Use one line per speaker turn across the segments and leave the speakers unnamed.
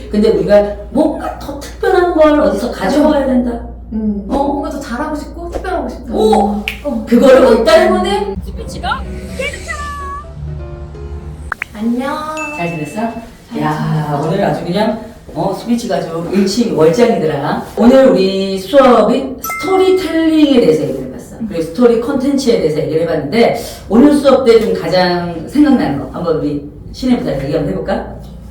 그렇지. 근데 우리가 뭔가 더 특별한 걸 어디서 가져와야 된다.
뭔가 더 잘하고 싶고 특별하고 싶다.
그거를
그것
일단
때문에
스피치가
안녕.
잘 지냈어? 야, 오늘 아주 그냥 스피치가 아주 일치월장이더라. 오늘 우리 수업이 스토리텔링에 대해서 얘기를 해봤어. 그리고 스토리 컨텐츠에 대해서 얘기를 해봤는데 오늘 수업 때 좀 가장 생각나는 거 한번 우리 신혜부터 얘기 한번 해볼까?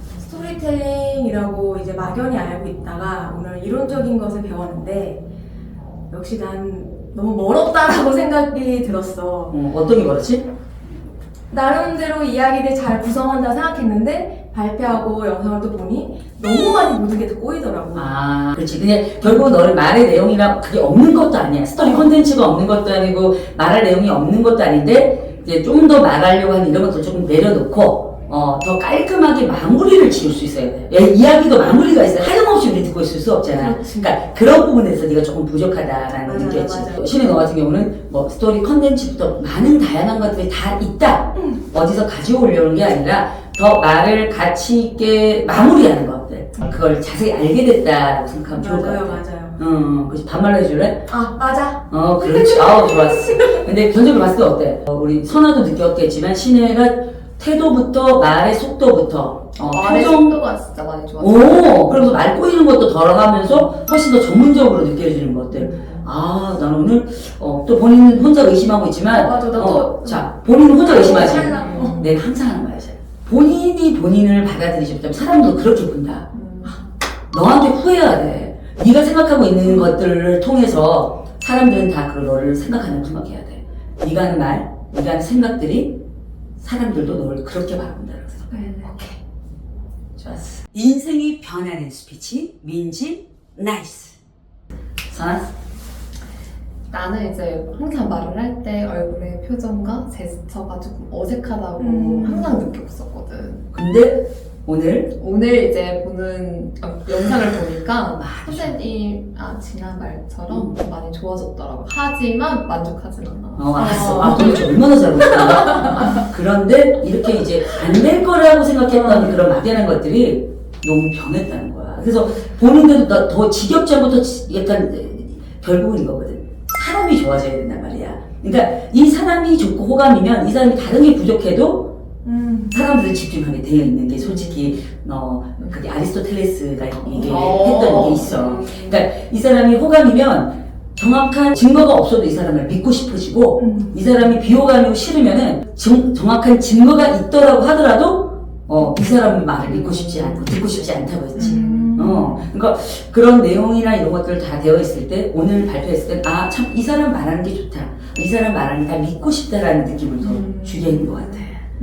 스토리텔링이라고 이제 막연히 알고 있다가 오늘 이론적인 것을 배웠는데 역시 난 너무 멀었다라고 생각이 들었어.
어떤 게 그렇지?
나름대로 이야기를 잘 구성한다 생각했는데 발표하고 영상을 또 보니 너무 많이 모든 게 다 꼬이더라고.
아, 그렇지. 근데 결국 너는 말의 내용이랑 그게 없는 것도 아니야. 스토리 컨텐츠가 없는 것도 아니고 말할 내용이 없는 것도 아닌데 이제 좀 더 말하려고 하는 이런 것도 조금 내려놓고 더 깔끔하게 마무리를 지을 수 있어야 돼. 이야기도 마무리가 있어야 돼. 하염없이 우리 듣고 있을 수 없잖아.
그렇지.
그러니까 그런 부분에서 네가 조금 부족하다라는
맞아,
느꼈지.
맞아.
신혜 너 같은 경우는 뭐 스토리 컨텐츠부터 많은 다양한 것들이 다 있다. 어디서 가져오려는 게 아니라 더 말을 가치 있게 마무리하는 것들. 그걸 자세히 알게 됐다고 생각하면 좋을 것 같아.
맞아요.
그렇지. 반말로 해줄래?
아, 맞아.
그렇지. 좋았어. 근데 전적으로 봤을 때 어때? 우리 선아도 느꼈겠지만 신혜가 태도부터 말의 속도부터
말의
표정
속도가 진짜 많이 좋았어.
그러면서 말 꼬이는 것도 덜어가면서 훨씬 더 전문적으로 느껴지는 것들. 나는 오늘 또 본인 혼자 의심하고 있지만
맞아, 나 또.
자, 본인은 혼자 의심하지.
찰나.
내가 항상 하는 말이야. 본인이 본인을 받아들이지 못하면 사람도 그렇게 본다. 너한테 후회해야 돼. 네가 생각하고 있는 것들을 통해서 사람들은 다 그걸 너를 생각하는 생각해야 돼. 네가 하는 말, 네가 하는 생각들이 사람들도 너를 그렇게 바라본다고 생각해. 오케이. 좋았어. 인생이 변하는 스피치, 민지, 나이스. 선아?
나는 이제 항상 말을 할 때 얼굴의 표정과 제스처가 조금 어색하다고 항상 느꼈었거든.
근데 오늘
오늘 이제 보는 영상을 보니까 지난 말처럼 많이 좋아졌더라고. 하지만 만족하진 않아.
알았어. 도대체 얼마나 잘못했나? 그런데 이렇게 이제 안 될 거라고 생각했던 그런 막연한 것들이 너무 변했다는 거야. 그래서 본인들도 더 지겹지 않고 더 약간 결국은 이거거든. 사람이 좋아져야 된단 말이야. 그러니까 이 사람이 좋고 호감이면 이 사람이 다른 게 부족해도 사람들이 집중하게 되어 있는 게 솔직히 그게 아리스토텔레스가 얘기했던 게 있어. 그러니까 이 사람이 호감이면 정확한 증거가 없어도 이 사람을 믿고 싶어지고 이 사람이 비호감이고 싫으면은 정확한 증거가 있더라고 하더라도 이 사람 말을 믿고 싶지 않고 듣고 싶지 않다고 했지. 그러니까 그런 내용이나 이런 것들 다 되어 있을 때 오늘 발표했을 때 참 이 사람 말하는 게 좋다. 이 사람 말하는 게 다 믿고 싶다라는 느낌을 더 주게 있는 것 같아.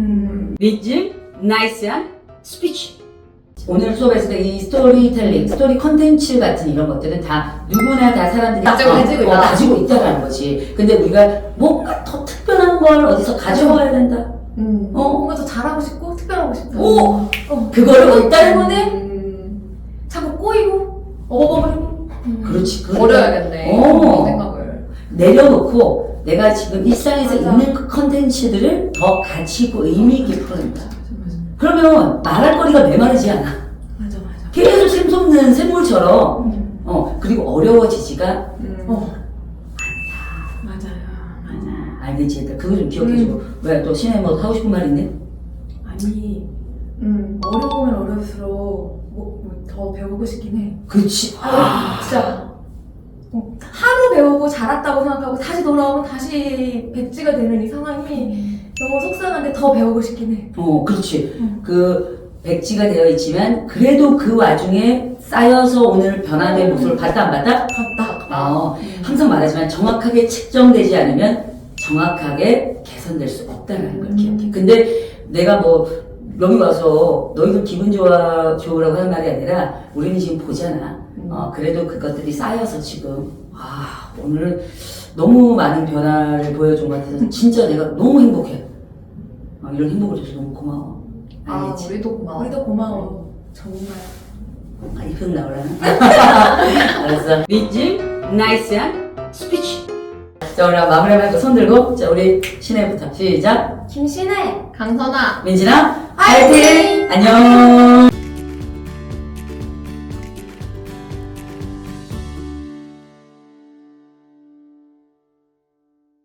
민지, 나이스한 스피치. 오늘 수업했을 때 이 스토리텔링, 스토리 컨텐츠 같은 이런 것들은 다 누구나 다 사람들이 가지고 있다라는 거지. 근데 우리가 뭔가 더 특별한 걸 어디서 가져와야 된다.
뭔가 더 잘하고 싶고 특별하고 싶다.
그거를
그것
일단
때문에 자꾸 꼬이고 어버버리고.
그렇지.
버려야겠네. 생각을.
내려놓고 내가 지금 일상에서
맞아.
있는 그 컨텐츠들을 더 가치 있고 의미 있게 풀어낸다. 그러면 말할 거리가 메마르지 않아.
맞아.
계속 샘솟는 샘물처럼 그리고 어려워지지가
맞아요.
알겠지? 그거 좀 기억해주고. 왜 또 신혜 뭐 하고 싶은 말 있네?
아니, 어려우면 어려울수록 더 배우고 싶긴 해.
그렇지.
진짜. 하루 배우고 잘했다고 생각하고 다시 돌아오면 다시 백지가 되는 이 상황이 너무 속상한데 더 배우고 싶긴 해.
그렇지. 그 백지가 되어 있지만 그래도 그 와중에 쌓여서 오늘 변화된 모습을 봤다 안 봤다?
봤다.
항상 말하지만 정확하게 측정되지 않으면 정확하게 개선될 수 없다는 걸 기억해. 근데 내가 뭐 여기 와서 너희들 기분 좋으라고 하는 말이 아니라 우리는 지금 보잖아. 그래도 그것들이 쌓여서 지금 오늘 너무 많은 변화를 보여준 것 같아서 진짜 내가 너무 행복해. 이런 행복을 줘서 너무 고마워. 알겠지?
우리도 고마워.
우리도 고마워. 정말.
이편 나오려나? 알았어. 민지, 나이스한 스피치. 자, 우리 마무리하면서 손 들고, 자, 우리 신혜부터 시작.
김신혜.
강선아.
민지나,
화이팅!
안녕!